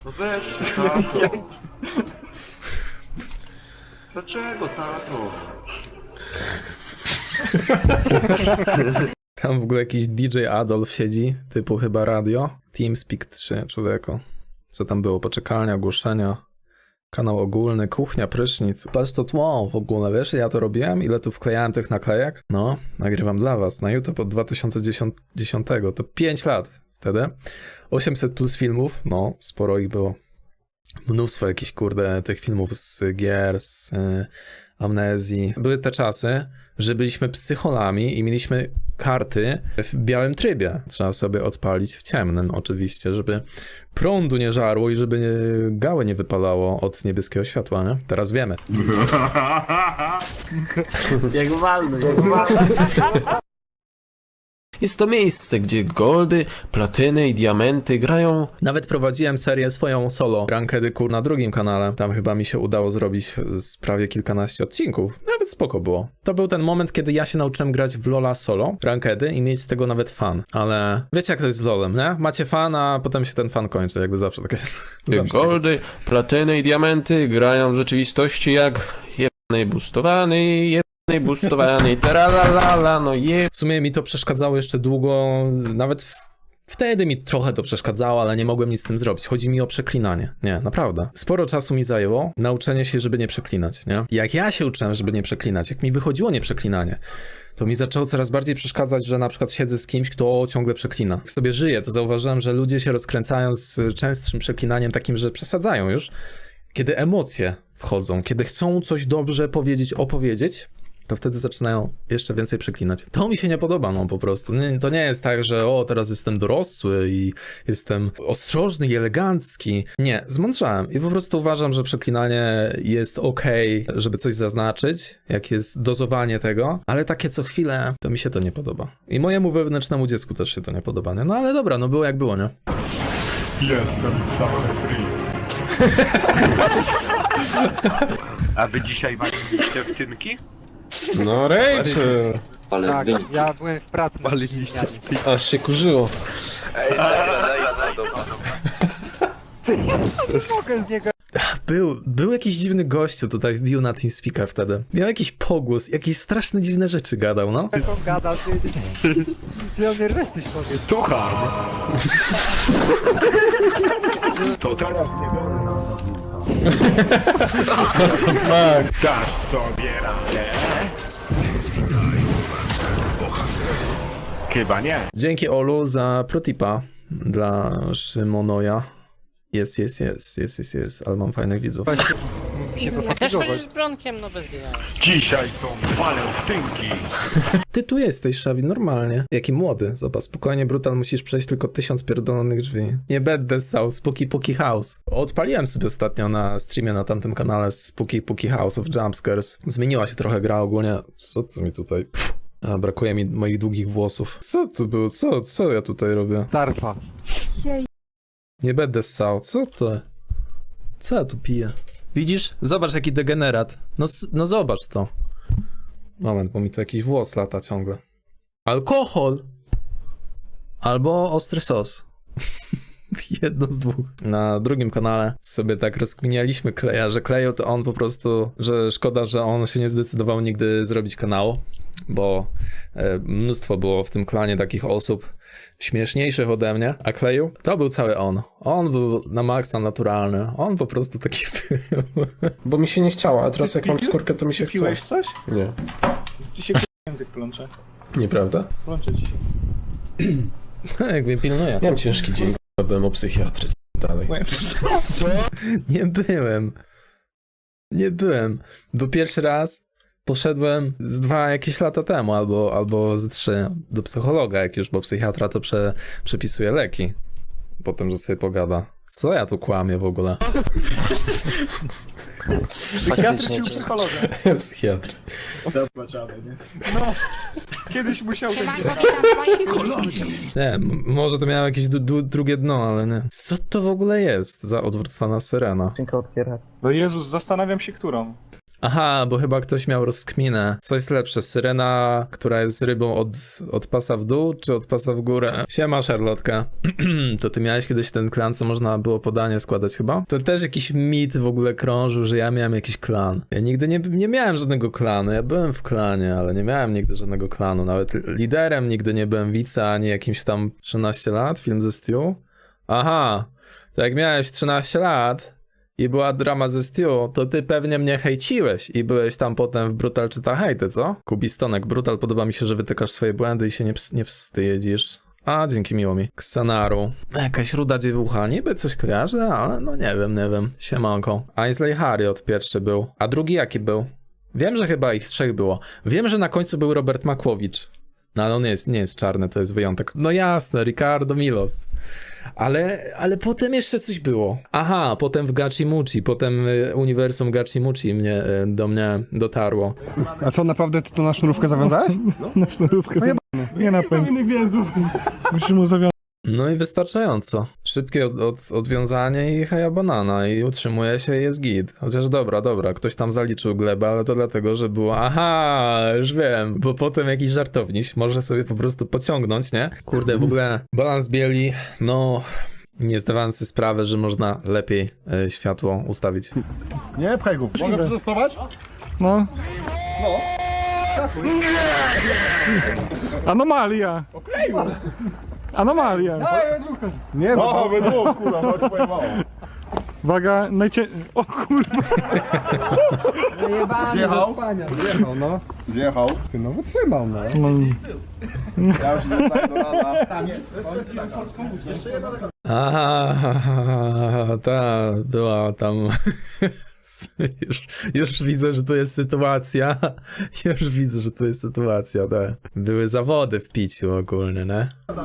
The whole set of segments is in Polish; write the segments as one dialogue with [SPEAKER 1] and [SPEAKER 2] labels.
[SPEAKER 1] No weź, tato. Dlaczego, tato?
[SPEAKER 2] Tam w ogóle jakiś DJ Adolf siedzi, typu chyba radio. TeamSpeak 3, człowieku. Co tam było? Poczekalnia, ogłoszenia, kanał ogólny, kuchnia, prysznic. Patrz to tło w ogóle, wiesz, ja to robiłem? Ile tu wklejałem tych naklejek? No, nagrywam dla was na YouTube od 2010, to 5 lat wtedy. 800 plus filmów, no, sporo ich było. Mnóstwo jakichś, kurde, tych filmów z gier, z amnezji. Były te czasy, że byliśmy psycholami i mieliśmy karty w białym trybie. Trzeba sobie odpalić w ciemnym oczywiście, żeby prądu nie żarło i żeby gałę nie wypalało od niebieskiego światła, nie? Teraz wiemy.
[SPEAKER 3] Jak walny, jak walny. Jest to miejsce, gdzie goldy, platyny i diamenty grają...
[SPEAKER 2] Nawet prowadziłem serię swoją solo, Rankedy Kur na drugim kanale. Tam chyba mi się udało zrobić z prawie kilkanaście odcinków. Nawet spoko było. To był ten moment, kiedy ja się nauczyłem grać w LoL'a solo, Rankedy i mieć z tego nawet fan. Ale wiecie jak to jest z LoL'em, nie? Macie fan, a potem się ten fan kończy, jakby zawsze tak jest. Zawsze
[SPEAKER 3] Goldy, platyny i diamenty grają w rzeczywistości jak jebany boostowany, teralala, no
[SPEAKER 2] W sumie mi to przeszkadzało jeszcze długo, nawet wtedy mi trochę to przeszkadzało, ale nie mogłem nic z tym zrobić. Chodzi mi o przeklinanie. Nie, naprawdę. Sporo czasu mi zajęło nauczenie się, żeby nie przeklinać, nie? Jak ja się uczyłem, żeby nie przeklinać, jak mi wychodziło nieprzeklinanie, to mi zaczęło coraz bardziej przeszkadzać, że na przykład siedzę z kimś, kto ciągle przeklina. Jak sobie żyję, to zauważyłem, że ludzie się rozkręcają z częstszym przeklinaniem takim, że przesadzają już. Kiedy emocje wchodzą, kiedy chcą coś dobrze powiedzieć, opowiedzieć, to wtedy zaczynają jeszcze więcej przeklinać. To mi się nie podoba, no po prostu. To nie jest tak, że teraz jestem dorosły i jestem ostrożny i elegancki. Nie, zmądrzałem i po prostu uważam, że przeklinanie jest okej, żeby coś zaznaczyć, jak jest dozowanie tego, ale takie co chwilę, to mi się to nie podoba. I mojemu wewnętrznemu dziecku też się to nie podoba, nie? No ale dobra, no było jak było, nie?
[SPEAKER 1] Jestem cały free. A wy dzisiaj waliliście w tynki?
[SPEAKER 3] No Rachel!
[SPEAKER 4] Tak, ja byłem w pracy.
[SPEAKER 3] Aż się kurzyło.
[SPEAKER 4] Mogę z niego
[SPEAKER 2] Był jakiś dziwny gościu tutaj, wbił na TeamSpeaka wtedy. Miał jakiś pogłos, jakieś straszne dziwne rzeczy gadał, no.
[SPEAKER 4] taką gadał, ty on mnie resztyś powiedz.
[SPEAKER 1] Słucham. To teraz nie dasz sobie radę? Chyba nie.
[SPEAKER 2] Dzięki Olu za protipa dla Szymonoja. Jest, ale mam fajnych widzów.
[SPEAKER 4] Się
[SPEAKER 5] Ja też
[SPEAKER 4] pofatygować.
[SPEAKER 5] chodzisz z Bronkiem, no bez jaj.
[SPEAKER 1] Dzisiaj są walę w tynki.
[SPEAKER 2] Ty tu jesteś, Szawi, normalnie. Jaki młody, zobacz, spokojnie, Brutal, musisz przejść tylko 1000 pierdolonych drzwi. Nie będę ssał, Spooky House. Odpaliłem sobie ostatnio na streamie na tamtym kanale Spooky House of Jumpscares. Zmieniła się trochę gra ogólnie. Co to mi tutaj... A, brakuje mi moich długich włosów. Co to było? Co ja tutaj robię?
[SPEAKER 4] Zarfa.
[SPEAKER 2] Nie będę ssał, co to? Co ja tu piję? Widzisz? Zobacz jaki degenerat. No zobacz to. Moment, bo mi tu jakiś włos lata ciągle. Alkohol! Albo ostry sos. Jedno z dwóch. Na drugim kanale sobie tak rozkminialiśmy Kleja, że Kleju to on po prostu, że szkoda, że on się nie zdecydował nigdy zrobić kanału, bo mnóstwo było w tym klanie takich osób śmieszniejszych ode mnie, a Kleju to był cały on. On był na maksa naturalny. On po prostu taki był.
[SPEAKER 3] Bo mi się nie chciało, a teraz jak mam skórkę, to mi się chce.
[SPEAKER 6] Piłeś coś?
[SPEAKER 3] Nie.
[SPEAKER 6] Ci się język plącze.
[SPEAKER 2] Nieprawda?
[SPEAKER 6] Plącze ci się.
[SPEAKER 2] Jak mnie pilnuje.
[SPEAKER 3] Miałem ciężki dzień, byłem u psychiatry, dalej.
[SPEAKER 2] Nie byłem, bo pierwszy raz poszedłem z 2 jakieś lata temu, albo z 3 do psychologa, jak już, bo psychiatra to przepisuje leki. Potem, że sobie pogada. Co ja tu kłamię w ogóle?
[SPEAKER 6] Psychiatry czy psychologa?
[SPEAKER 2] Psychiatr.
[SPEAKER 6] Zobaczamy, nie? No, kiedyś musiał ten dzień.
[SPEAKER 2] Nie, może to miało jakieś drugie dno, ale nie. Co to w ogóle jest za odwrócona syrena?
[SPEAKER 6] No Jezus, zastanawiam się, którą.
[SPEAKER 2] Aha, bo chyba ktoś miał rozkminę. Co jest lepsze, syrena, która jest rybą od pasa w dół, czy od pasa w górę? Siema, Charlotka. To ty miałeś kiedyś ten klan, co można było podanie składać chyba? To też jakiś mit w ogóle krążył, że ja miałem jakiś klan. Ja nigdy nie miałem żadnego klanu. Ja byłem w klanie, ale nie miałem nigdy żadnego klanu. Nawet liderem nigdy nie byłem wice, ani jakimś tam 13 lat, film ze Stew. Aha, to jak miałeś 13 lat i była drama ze Stew, to ty pewnie mnie hejciłeś i byłeś tam potem w Brutal czy ta hejty, co? Kubistonek, Brutal, podoba mi się, że wytykasz swoje błędy i się nie wstydzisz. A, dzięki, miło mi. Xanaru. Jakaś ruda dziewucha, niby coś kojarzę, ale no nie wiem. Siemanko. Ainsley Harriot pierwszy był. A drugi jaki był? Wiem, że chyba ich 3 było. Wiem, że na końcu był Robert Makłowicz. No ale on nie jest czarny, to jest wyjątek. No jasne, Ricardo Milos. Ale potem jeszcze coś było. Aha, potem w Gachimuchi, potem uniwersum Gachimuchi do mnie dotarło.
[SPEAKER 7] A co, naprawdę ty to na sznurówkę zawiązałeś?
[SPEAKER 4] Na sznurówkę sobie. Nie na pewno. Musisz mu zawiązać.
[SPEAKER 2] No i wystarczająco. Szybkie odwiązanie i haja banana i utrzymuje się i jest git. Chociaż dobra, ktoś tam zaliczył glebę, ale to dlatego, że było aha, już wiem, bo potem jakiś żartowniś może sobie po prostu pociągnąć, nie? Kurde, w ogóle balans bieli, no nie zdawałem sobie sprawy, że można lepiej światło ustawić.
[SPEAKER 7] Nie, pchaj go. Mogę przetestować?
[SPEAKER 4] No. Anomalia. Anomalia.
[SPEAKER 7] Nie, no. Wydług, kurwa, chodź pojebało.
[SPEAKER 4] Uwaga, o kurwa.
[SPEAKER 7] Zjechał? Zjechał, no. Zjechał. Ty no wytrzymał, no. Ja już zostaję do rana.
[SPEAKER 2] Aha, ta była tam... Już widzę, że to jest sytuacja. Już widzę, że to jest sytuacja, tak. Były zawody w piciu ogólnie, nie?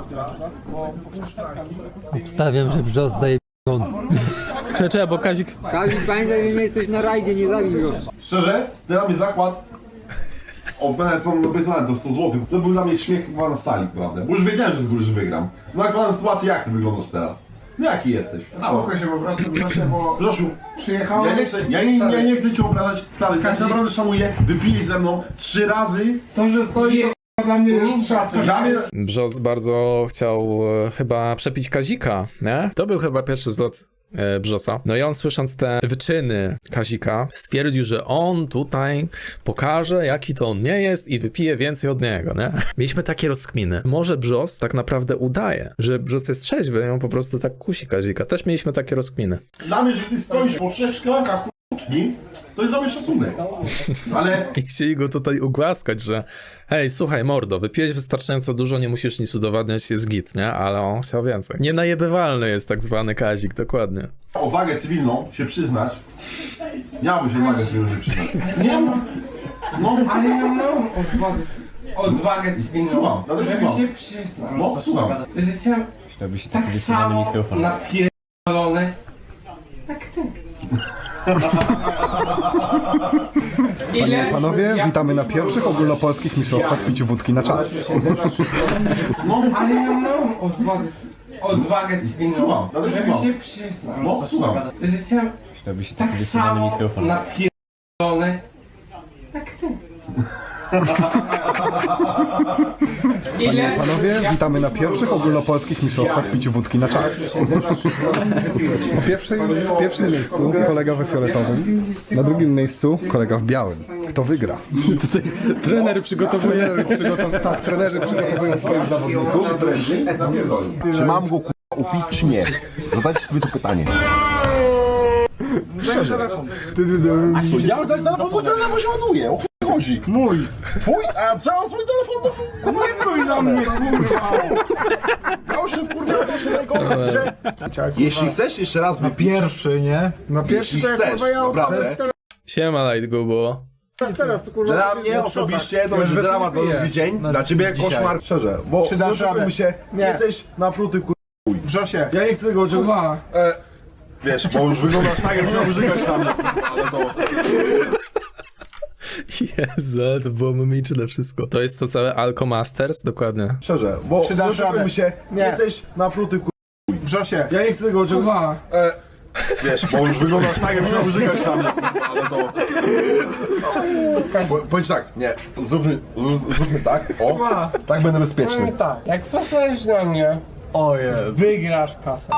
[SPEAKER 8] Obstawiam, że Brzos zaje...
[SPEAKER 2] Czekaj, bo Kazik...
[SPEAKER 8] Kazik, pamiętaj, że nie jesteś na rajdzie, nie zabij go.
[SPEAKER 9] Szczerze, ten na mnie zakład od mnie są napisane to 100 zł. To był dla mnie śmiech chyba na sali, prawda? Bo już wiedziałem, że z góry że wygram. No aktualna sytuacja, jak ty wyglądasz teraz? No jaki jesteś?
[SPEAKER 7] Spokój się po prostu, Grzesie, bo
[SPEAKER 9] Grzesiu,
[SPEAKER 7] przyjechałem...
[SPEAKER 9] ja nie chcę cię obrażać, stary, ja cię naprawdę szanuję, wypijesz ze mną 3 razy.
[SPEAKER 7] To, że stoi, to dla mnie jest szacun.
[SPEAKER 2] Brzos bardzo chciał chyba przepić Kazika, nie? To był chyba pierwszy zlot Brzosa. No i on, słysząc te wyczyny Kazika, stwierdził, że on tutaj pokaże, jaki to on nie jest i wypije więcej od niego, nie? Mieliśmy takie rozkminy. Może Brzos tak naprawdę udaje, że Brzos jest trzeźwy i on po prostu tak kusi Kazika. Też mieliśmy takie rozkminy.
[SPEAKER 9] Dla mnie, że ty stoisz po 3 szklankach kłótni, to jest dla mnie szacunek. Ale...
[SPEAKER 2] I chcieli go tutaj ugłaskać, że hej, słuchaj mordo, wypiłeś wystarczająco dużo, nie musisz nic udowadniać, jest git, nie? Ale on chciał więcej. Nienajebywalny jest tak zwany Kazik, dokładnie.
[SPEAKER 9] O wagę cywilną się przyznać. Miałbyś odwagę cywilną się przyznać. Nie mów. No,
[SPEAKER 7] Ale ja mam odwagę cywilną.
[SPEAKER 9] Słucham, nawet
[SPEAKER 7] żeby
[SPEAKER 9] słucham.
[SPEAKER 7] się przyznać.
[SPEAKER 9] No, słucham.
[SPEAKER 7] Że jestem tak samo napierdolony jak ty.
[SPEAKER 10] Panowie, witamy na pierwszych ogólnopolskich mistrzostwach piciu wódki na czas.
[SPEAKER 9] No,
[SPEAKER 7] Ale ja mam odwagę cywilną.
[SPEAKER 9] Słucham, nawet
[SPEAKER 7] żeby
[SPEAKER 9] słucham.
[SPEAKER 7] się przyznać.
[SPEAKER 9] No, słucham.
[SPEAKER 7] Że jestem tak samo napierdolony jak ty.
[SPEAKER 10] Panowie, witamy na pierwszych ogólnopolskich mistrzostwach piciu wódki na czas. W pierwszym miejscu kolega we fioletowym, na drugim miejscu kolega w białym. Kto wygra?
[SPEAKER 2] Tutaj trener przygotowuje...
[SPEAKER 10] Tak, trenerzy przygotowują swoich zawodników.
[SPEAKER 9] Czy mam go upić, czy nie? Zadajcie sobie to pytanie. Szczerze. Ja mój telefon się ładuje, o chuj chodzi.
[SPEAKER 7] Mój.
[SPEAKER 9] Twój? A co mam swój telefon?
[SPEAKER 7] Nie pójdź na mnie, kurwa.
[SPEAKER 9] Ja już się wkurwiałem, proszę najgorzej. Jeśli chcesz jeszcze raz wypić,
[SPEAKER 7] Pierwszy, nie?
[SPEAKER 10] Na
[SPEAKER 9] jeśli chcesz, naprawdę,
[SPEAKER 2] Siema, Light Gubo.
[SPEAKER 7] Teraz to kurwa.
[SPEAKER 9] dla mnie osobiście to będzie dramat na drugi dzień, dla ciebie koszmar. Szczerze, bo
[SPEAKER 7] Czy dasz
[SPEAKER 9] oszukujmy
[SPEAKER 7] radę?
[SPEAKER 9] się,
[SPEAKER 7] Nie.
[SPEAKER 9] jesteś napruty
[SPEAKER 7] Grzesie.
[SPEAKER 9] Ja nie chcę tego czegoś...
[SPEAKER 7] Kurwa.
[SPEAKER 9] Wiesz, bo już wyglądasz tak, jak miał wyżygać na mnie. Ale to...
[SPEAKER 2] Jezu, ale to było mimiczne wszystko. To jest to całe Alco Masters? Dokładnie.
[SPEAKER 9] Szczerze, bo
[SPEAKER 7] Czy dasz
[SPEAKER 9] oszukujmy
[SPEAKER 7] radę?
[SPEAKER 9] się,
[SPEAKER 7] Nie.
[SPEAKER 9] jesteś napruty
[SPEAKER 7] Grzesie.
[SPEAKER 9] Ja nie chcę tego czegoś...
[SPEAKER 7] Kurwa.
[SPEAKER 9] Wiesz, bo już wyglądasz tak, jakbyś miał wyżygać na mnie, ale to... Powiedz tak, nie, zróbmy tak, o, tak będę bezpieczny.
[SPEAKER 6] Tak, jak posłuchasz na mnie, wygrasz kasę.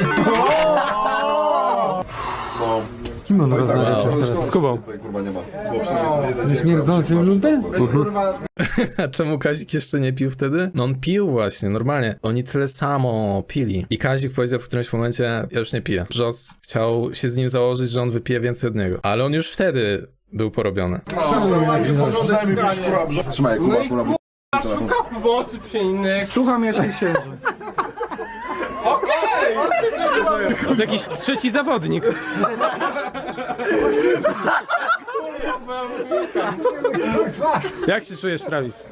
[SPEAKER 9] No,
[SPEAKER 8] Z kim on rozmawia przez telefon?
[SPEAKER 4] Z Kubą.
[SPEAKER 9] tutaj kurwa nie ma.
[SPEAKER 8] Nieśmierdzącym luntem?
[SPEAKER 2] A czemu Kazik jeszcze nie pił wtedy? No on pił właśnie, normalnie. Oni tyle samo pili. I Kazik powiedział w którymś momencie, ja już nie piję. Brzos chciał się z nim założyć, że on wypije więcej od niego. Ale on już wtedy był porobiony.
[SPEAKER 9] Przynajmniej wiesz, kurwa, brzo... Trzymaj, kurwa.
[SPEAKER 6] Szuka pomocy przy innych.
[SPEAKER 4] Słucham, jeśli się.
[SPEAKER 3] To jakiś trzeci zawodnik. Jak się czujesz, Travis?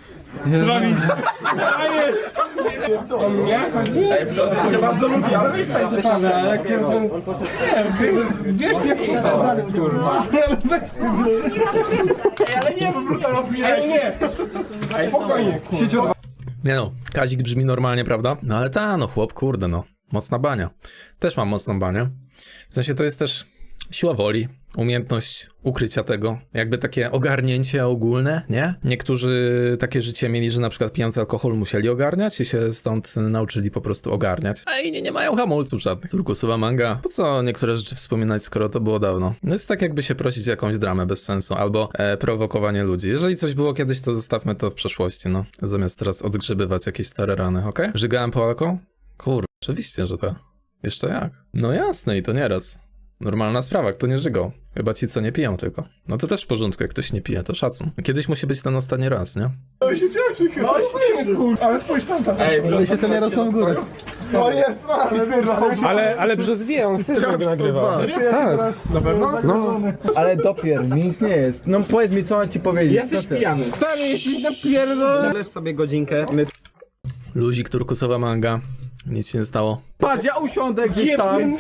[SPEAKER 6] O mnie chodzi? Ja bardzo lubię, ale weź tak zaprawdę, ale jak jestem... Wiesz, nie przesadzam, kurwa. Ale weź ty, ale nie, bo brutal opijaj, nie. Spokojnie, kurwa.
[SPEAKER 2] Nie no, Kazik brzmi normalnie, prawda? No ale no chłop, kurde no. Mocna bania. Też mam mocną banię. W sensie to jest też siła woli, umiejętność ukrycia tego, jakby takie ogarnięcie ogólne, nie? Niektórzy takie życie mieli, że na przykład pijąc alkohol musieli ogarniać i się stąd nauczyli po prostu ogarniać. A inni nie mają hamulców żadnych. Turkusowa manga. Po co niektóre rzeczy wspominać, skoro to było dawno? No jest tak jakby się prosić o jakąś dramę bez sensu, albo prowokowanie ludzi. Jeżeli coś było kiedyś, to zostawmy to w przeszłości, no. Zamiast teraz odgrzebywać jakieś stare rany, okej? Żygałem po alko? Kurwa, oczywiście, że tak. Jeszcze jak? No jasne i to nieraz. Normalna sprawa, kto nie żygał. Chyba ci, co nie piją tylko. No to też w porządku, jak ktoś nie pije, to szacun. Kiedyś musi być ten ostatni raz, nie?
[SPEAKER 9] No się cieszy, chyba.
[SPEAKER 6] Ale spójrz tam,
[SPEAKER 8] Ej, się to nie rosną w górę.
[SPEAKER 9] To jest prawie.
[SPEAKER 4] Ale Brzoz wie, on chce, żeby go nagrywał.
[SPEAKER 6] Tak.
[SPEAKER 4] Na pewno? No.
[SPEAKER 8] Ale dopiero, mi nic nie jest. No powiedz mi, co mam ci powiedzieć.
[SPEAKER 6] Jesteś pijany. Stary, jesteś napierdolony.
[SPEAKER 4] Leż sobie godzinkę. My...
[SPEAKER 2] Luzik, turkusowa manga. Nic się nie stało.
[SPEAKER 8] Patrz, ja usiądę gdzieś tam.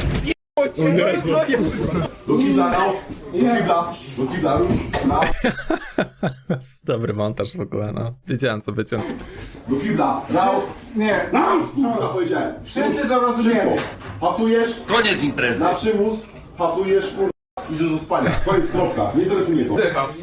[SPEAKER 9] Do kibla, do kibla,
[SPEAKER 2] Dobry montaż w ogóle, no. Wiedziałem, co wyciąć.
[SPEAKER 9] do kibla, raus,
[SPEAKER 6] Nie.
[SPEAKER 9] kurwa, powiedziałem.
[SPEAKER 6] Wszyscy to rozumiemy.
[SPEAKER 9] Haftujesz,
[SPEAKER 1] Koniec imprezy.
[SPEAKER 9] na przymus, haftujesz, kurwa, idziesz do spania. Koniec, kropka. Nie interesuje mnie to.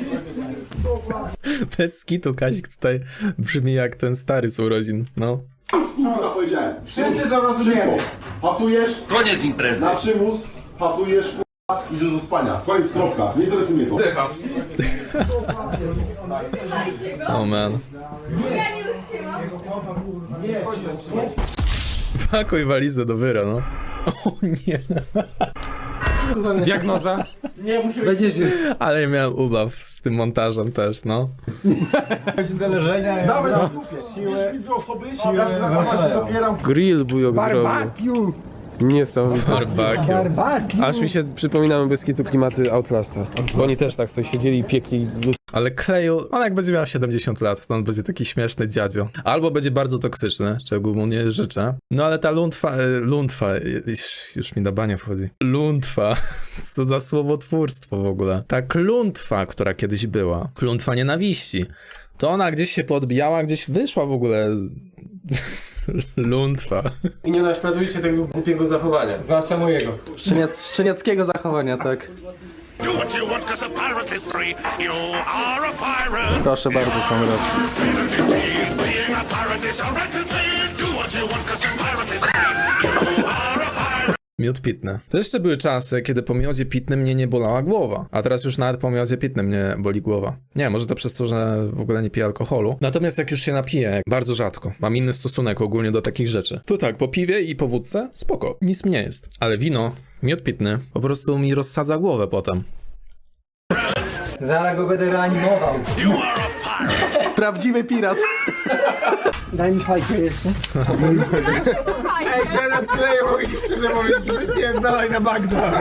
[SPEAKER 2] Bez skitu Kazik tutaj brzmi jak ten stary z urodzin, no.
[SPEAKER 9] Kurwa, powiedziałem.
[SPEAKER 6] Wszyscy to rozumiemy.
[SPEAKER 9] Haftujesz,
[SPEAKER 1] Koniec imprezy.
[SPEAKER 9] na przymus, haftujesz, kurwa, idziesz do spania. Koniec, kropka. Nie interesuje mnie to.
[SPEAKER 2] Oh man. Pakuj walizę do wyra, no. O nie.
[SPEAKER 3] Diagnoza?
[SPEAKER 8] Będziesz...
[SPEAKER 2] Ale ja miałem ubaw z tym montażem też, no.
[SPEAKER 9] Nawet siłę,
[SPEAKER 3] Grill bujok zrobił. Niesamowite.
[SPEAKER 2] Barbecue.
[SPEAKER 3] Aż mi się przypominały bez kitu klimaty Outlasta. Bo oni też tak sobie siedzieli i piekli.
[SPEAKER 2] Ale Kleju, on jak będzie miał 70 lat, to on będzie taki śmieszny dziadzio. Albo będzie bardzo toksyczny, czego mu nie życzę. No ale ta luntwa, już mi na banie wchodzi. Luntwa, co za słowotwórstwo w ogóle. Ta kluntwa, która kiedyś była, kluntwa nienawiści, to ona gdzieś się poodbijała, gdzieś wyszła w ogóle. Luntwa.
[SPEAKER 3] I nie naśladujcie tego głupiego zachowania.
[SPEAKER 6] Zwłaszcza mojego.
[SPEAKER 4] Szczeniackiego zachowania, tak.
[SPEAKER 11] Do what you want, 'cause a pirate is free. You are a pirate.
[SPEAKER 4] Proszę bardzo, Konrad.
[SPEAKER 11] Being a pirate is a right thing. Do what you want, 'cause a pirate is free. You are a pirate.
[SPEAKER 2] Miód pitny. To jeszcze były czasy, kiedy po miodzie pitnym mnie nie bolała głowa. A teraz już nawet po miodzie pitnym mnie boli głowa. Nie, może to przez to, że w ogóle nie piję alkoholu. Natomiast jak już się napiję, bardzo rzadko, mam inny stosunek ogólnie do takich rzeczy. To tak, po piwie i po wódce, spoko, nic mi nie jest. Ale wino, miód pitny, po prostu mi rozsadza głowę potem.
[SPEAKER 8] Zaraz go będę reanimował.
[SPEAKER 11] You are a pirate.
[SPEAKER 4] Prawdziwy pirat.
[SPEAKER 8] Daj mi fajkę jeszcze.
[SPEAKER 6] Ej, teraz kleję, mogę ci szczerze powiedzieć, wypierdalaj na Bagda.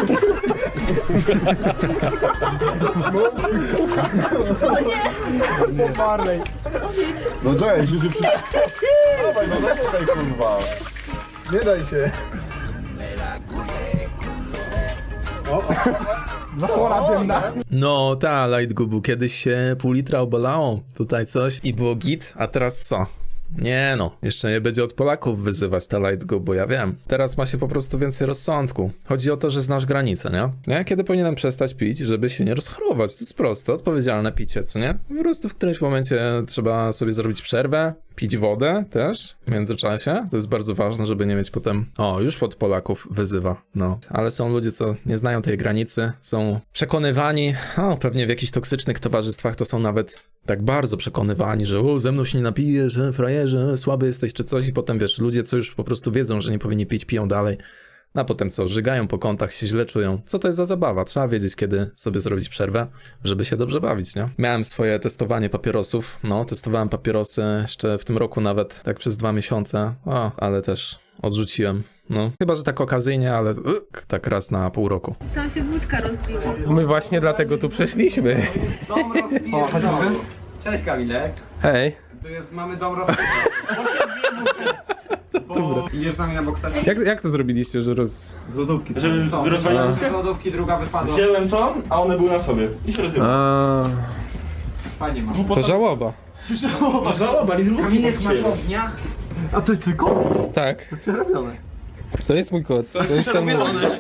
[SPEAKER 6] Barley.
[SPEAKER 9] No cześć, już się przy... Dawaj, no czekaj, kurwa.
[SPEAKER 10] Nie daj się.
[SPEAKER 6] Zasłona dymna.
[SPEAKER 2] No, ta Light Gubu, kiedyś się pół litra obalało, tutaj coś i było git, a teraz co? Nie no, jeszcze nie będzie od Polaków wyzywać ta Light Go, bo ja wiem. Teraz ma się po prostu więcej rozsądku. Chodzi o to, że znasz granice, nie? Kiedy powinienem przestać pić, żeby się nie rozchorować? To jest proste, odpowiedzialne picie, co nie? Po prostu w którymś momencie trzeba sobie zrobić przerwę, pić wodę też w międzyczasie. To jest bardzo ważne, żeby nie mieć potem... O, już od Polaków wyzywa, no. Ale są ludzie, co nie znają tej granicy, są przekonywani, pewnie w jakichś toksycznych towarzystwach to są nawet tak bardzo przekonywani, że ze mną się nie napijesz, frajerze, słaby jesteś czy coś i potem wiesz, ludzie co już po prostu wiedzą, że nie powinni pić, piją dalej. A potem co, żygają po kątach, się źle czują. Co to jest za zabawa? Trzeba wiedzieć, kiedy sobie zrobić przerwę, żeby się dobrze bawić, nie? Miałem swoje testowanie papierosów. No, testowałem papierosy jeszcze w tym roku nawet, tak przez 2 miesiące. Ale też odrzuciłem. No, chyba, że tak okazyjnie, ale tak raz na pół roku.
[SPEAKER 12] Tam się wódka rozbiła.
[SPEAKER 6] My właśnie dlatego tu przeszliśmy.
[SPEAKER 8] O, cześć Kamilek.
[SPEAKER 6] Hej.
[SPEAKER 8] Mamy dom rozbity. Idziesz z nami na bokserze?
[SPEAKER 6] Jak to zrobiliście, że
[SPEAKER 8] Z lodówki.
[SPEAKER 4] Żeby rozwalić
[SPEAKER 8] Z lodówki druga wypadła.
[SPEAKER 4] Wziąłem to, a one były na sobie. I się rozjebały.
[SPEAKER 8] Fajnie masz.
[SPEAKER 6] To żałoba.
[SPEAKER 4] Żałoba, nie
[SPEAKER 8] Kamilek, masz ognia?
[SPEAKER 4] A to jest twój kot?
[SPEAKER 6] Tak.
[SPEAKER 8] Przerobione.
[SPEAKER 6] To jest mój kot. To jest ten mój.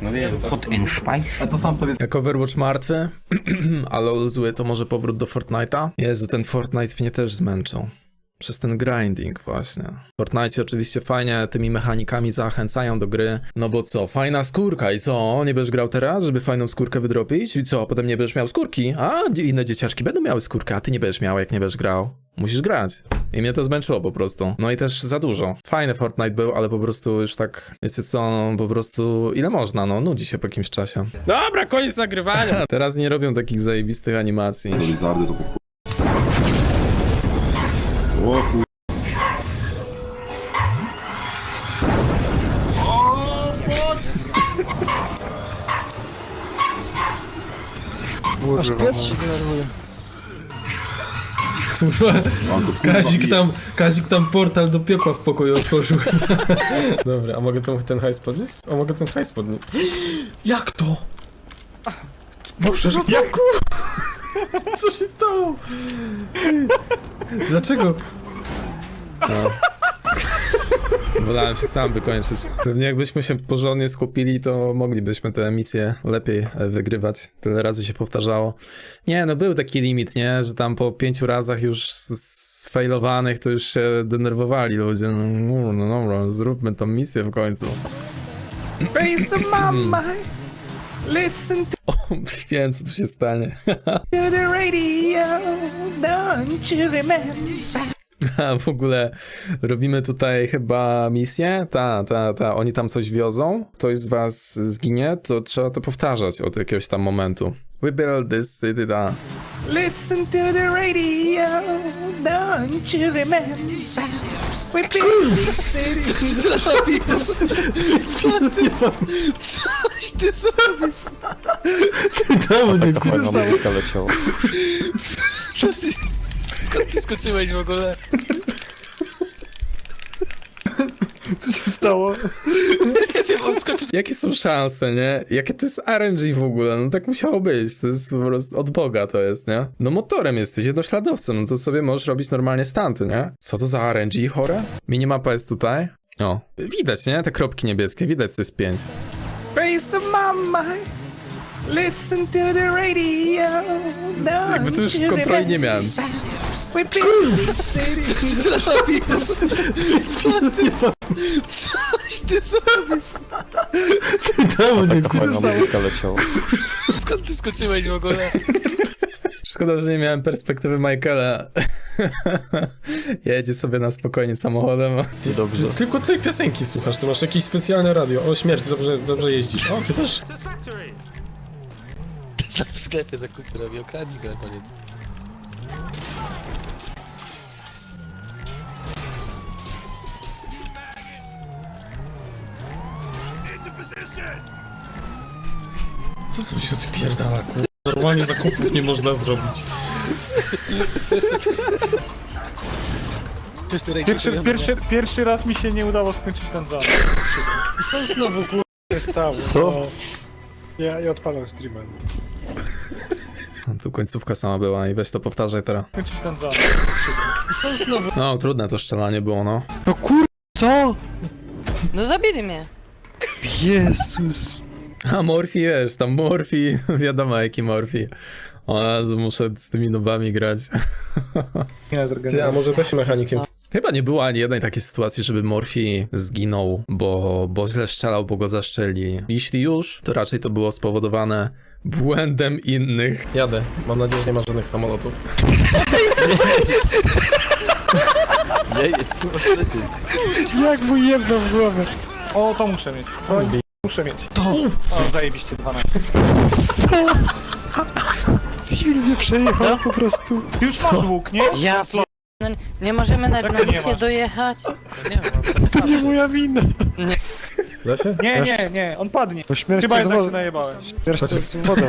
[SPEAKER 8] A to sam sobie...
[SPEAKER 2] Jak Overwatch martwy, a LoL zły, to może powrót do Fortnite'a? Jezu, ten Fortnite mnie też zmęczył. Przez ten grinding właśnie. W Fortnite oczywiście fajnie tymi mechanikami zachęcają do gry, no bo co, fajna skórka i co, nie będziesz grał teraz, żeby fajną skórkę wydropić? I co, potem nie będziesz miał skórki? A inne dzieciaczki będą miały skórkę, a ty nie będziesz miał, jak nie będziesz grał. Musisz grać. I mnie to zmęczyło po prostu. No i też za dużo. Fajny Fortnite był, ale po prostu już tak, wiecie co, po prostu ile można, no nudzi się po jakimś czasie.
[SPEAKER 6] Dobra, koniec nagrywania.
[SPEAKER 2] Teraz nie robią takich zajebistych animacji.
[SPEAKER 9] Lizardy to po O kur...
[SPEAKER 6] Kazik tam portal do piekła w pokoju otworzył. Dobra, a mogę ten hajs podnieść? O, mogę ten hajs podnieść.
[SPEAKER 2] Jak to?
[SPEAKER 6] Boże, ratunku! Co się stało? Dlaczego?
[SPEAKER 2] No. Wolałem się sam wykończyć. Pewnie jakbyśmy się porządnie skupili, to moglibyśmy te misje lepiej wygrywać. Tyle razy się powtarzało. Nie, no był taki limit, nie? Że tam po 5 razach już sfailowanych to już się denerwowali ludzie. No dobra, zróbmy tą misję w końcu.
[SPEAKER 6] Listen
[SPEAKER 2] O, wiem, co tu się stanie.
[SPEAKER 6] to the radio, don't you remember?
[SPEAKER 2] A w ogóle robimy tutaj chyba misję? Oni tam coś wiozą. Ktoś z was zginie, to trzeba to powtarzać od jakiegoś tam momentu. We build this city,
[SPEAKER 6] Listen to the radio, don't you remember? We built this city.
[SPEAKER 7] Coś ty zrobił!
[SPEAKER 3] Fajna muzyka leciała.
[SPEAKER 7] Skąd ty skoczyłeś w ogóle?
[SPEAKER 4] Co się stało?
[SPEAKER 7] Nie wiem, on skoczył.
[SPEAKER 2] Jakie są szanse, nie? Jakie to jest RNG w ogóle? No tak musiało być. To jest po prostu od Boga to jest, nie? No motorem jesteś, jednośladowcem, no to sobie możesz robić normalnie stunty, nie? Co to za RNG chore? Minimapa jest tutaj. O, widać, nie? Te kropki niebieskie, widać, co jest 5.
[SPEAKER 6] Raise the mama, listen to the radio, don't
[SPEAKER 2] Jakby to już
[SPEAKER 6] you
[SPEAKER 2] kontroli nie
[SPEAKER 6] remember?
[SPEAKER 2] miałem.
[SPEAKER 6] We built this city.
[SPEAKER 7] Coś ty zrobił!
[SPEAKER 3] Fajna muzyka leciała.
[SPEAKER 7] Skąd ty skoczyłeś w ogóle?
[SPEAKER 2] Szkoda, że nie miałem perspektywy Michaela. Jedzie sobie na spokojnie samochodem.
[SPEAKER 3] Dobrze.
[SPEAKER 6] Tylko tej piosenki słuchasz, ty masz jakieś specjalne radio. O, śmierć, dobrze jeździsz. O, ty też.
[SPEAKER 7] Tak w sklepie zakupy robi, okradnij go na koniec.
[SPEAKER 6] Co tu się odpierdala, kur... Normalnie zakupów nie można zrobić.
[SPEAKER 4] Pierwszy raz mi się nie udało skończyć ten run.
[SPEAKER 8] To znowu kur... się stało.
[SPEAKER 3] Co?
[SPEAKER 8] Ja odpalam streamer.
[SPEAKER 2] Tu końcówka sama była i weź to powtarzaj teraz. No, trudne to strzelanie było, no.
[SPEAKER 6] No kur... co?
[SPEAKER 5] No zabili mnie.
[SPEAKER 6] Jezus.
[SPEAKER 2] A Morphy, wiesz, tam Morphy, wiadomo jaki Morphy. O Jezu, muszę z tymi nubami grać.
[SPEAKER 4] Ty, a może też mechanikiem?
[SPEAKER 2] Chyba nie było ani jednej takiej sytuacji, żeby Morphy zginął, bo źle strzelał, bo go zaszczeli. Jeśli już, to raczej to było spowodowane błędem innych.
[SPEAKER 4] Jadę. Mam nadzieję, że nie ma żadnych samolotów.
[SPEAKER 6] Jak mu jebno w głowę.
[SPEAKER 4] O, to muszę mieć. Muszę mieć. To! O, zajebiście 12.
[SPEAKER 6] Civil mnie przejechał po prostu.
[SPEAKER 4] Już masz łuk, nie?
[SPEAKER 5] Ja no, nie możemy na
[SPEAKER 4] Jak to nie
[SPEAKER 5] misję
[SPEAKER 4] masz?
[SPEAKER 5] dojechać?
[SPEAKER 6] To nie moja wina.
[SPEAKER 4] Da się? Nie, on padnie.
[SPEAKER 6] Po śmierci
[SPEAKER 4] Chyba
[SPEAKER 6] z
[SPEAKER 4] jednak się
[SPEAKER 6] wodą.
[SPEAKER 4] najebałem.
[SPEAKER 6] Śmierć z wodą.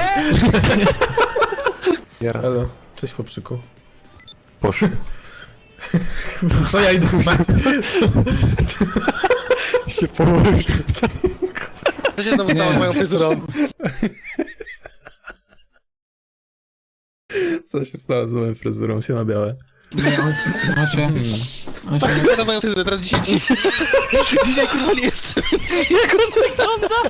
[SPEAKER 4] Elo, cześć chłopczyku.
[SPEAKER 3] Poszło.
[SPEAKER 4] Co ja idę spać?
[SPEAKER 6] się położył.
[SPEAKER 4] Co się znowu stało z moją fryzurą?
[SPEAKER 2] Co się stało z moją fryzurą? Się na białe.
[SPEAKER 4] Na moją fryzurę, teraz dzisiaj Dzisiaj kurwa nie jest. Jak on wygląda?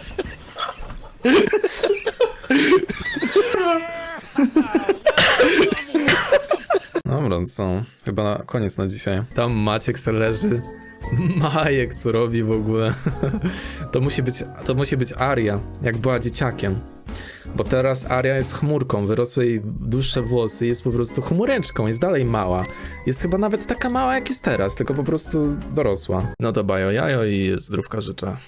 [SPEAKER 2] Dobra, no co? Chyba na koniec na dzisiaj. Tam Maciek se leży. Majek, co robi w ogóle? To musi być Aria, jak była dzieciakiem. Bo teraz Aria jest chmurką, wyrosły jej dłuższe włosy, jest po prostu chmureczką, jest dalej mała. Jest chyba nawet taka mała jak jest teraz, tylko po prostu dorosła. No to bajo jajo i zdrówka życzę.